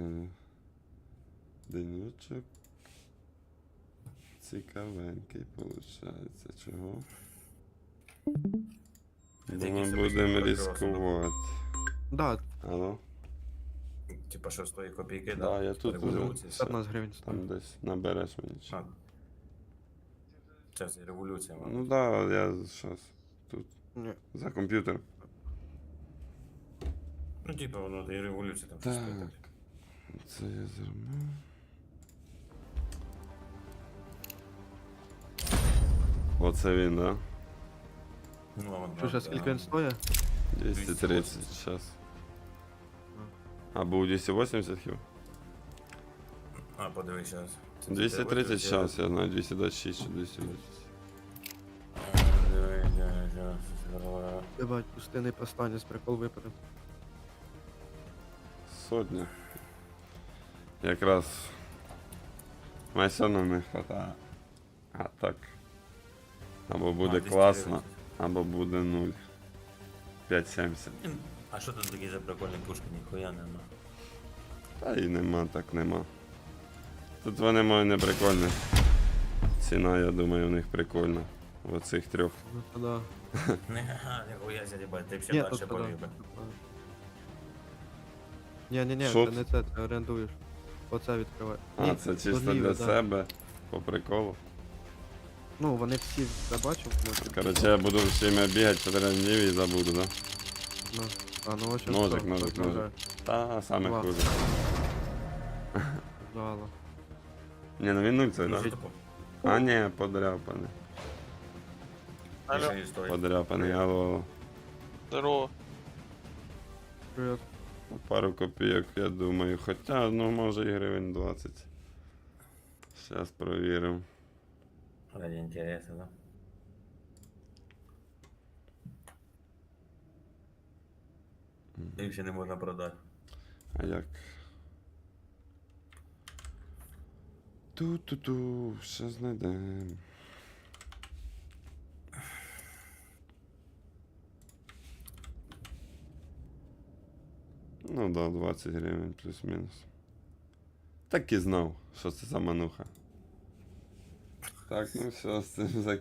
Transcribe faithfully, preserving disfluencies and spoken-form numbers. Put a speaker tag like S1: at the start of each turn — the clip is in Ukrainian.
S1: е, денючок. Цікавенький, виходить. Чого? Думаю, будемо ризикувати.
S2: Да,
S1: Алло?
S3: Типа шостої копійки,
S1: Да,
S3: да?
S1: я
S3: Типа
S1: тут
S3: революції.
S1: уже.
S2: п'ятнадцять гривень
S1: Там
S2: стоїть.
S1: десь набереш мені. чи-
S3: А. Це ж революція, мабуть.
S1: Ну да, я зараз тут.
S2: Ні.
S1: За комп'ютер.
S3: Ну, типа, воно і революція там
S1: Так.
S3: щось таке.
S1: Це я зерно. Оце він, да?
S3: Ну, а вон,
S2: Що, зараз скільки він стоїть?
S1: двісті тридцять зараз. А був двісті вісімдесят хіба?
S3: А, подивись зараз.
S1: двісті тридцять зараз, я знаю, двісті двадцять шість чи двісті двадцять.
S2: Ебать, пустинний повстанець, прикол випаде.
S1: Сотня. Якраз майсону не хватає. А так. Або буде
S3: А,
S1: класно, або буде нуль. п'ять сімдесят.
S3: А що тут такі за прикольні пушки? Ніхуя нема.
S1: Та і нема, так нема. Тут вони мають не прикольні. Ціна, я думаю, у них прикольна. В оцих трьох.
S2: Ну то да.
S3: Не, ага, ніхуя ся, їбать, ти б ще
S2: Ні,
S3: далі
S2: то да.
S3: полюбив.
S2: Ні, ні, ні,
S1: Що
S2: це
S1: це?
S2: не це, ти орендуєш. Оце відкривай.
S1: А,
S2: Ні,
S1: це чисто
S2: торгівля,
S1: для
S2: да.
S1: себе. По приколу.
S2: Ну, вони всі забачив, може.
S1: Короче, я буду всіми бігати чотири днів і забуду, да?
S2: Ну, а, ну ось
S1: Ножик,
S2: що,
S1: ножик,
S2: розмовляю.
S1: ножик. Та саме
S2: Два.
S1: хуже.
S2: Жало.
S1: Ні, ну він нуль це,
S3: Ну,
S1: да?
S3: що таке?
S1: А, ні, подряпаний.
S4: Алло,
S3: Більше історії.
S1: Подряпаний, алло, алло.
S4: здорово.
S2: Привіт.
S1: Пару копійок, я думаю. Хоча, ну, може і гривень двадцять. Зараз провіримо.
S3: Ради інтересу, да? Їх ще не можна продати.
S1: А як? Ту-ту-ту, що знайдемо. Ну да, двадцять гривень плюс-мінус. Так і знав, що це за мануха. Так, ну все, з цим закінчимо.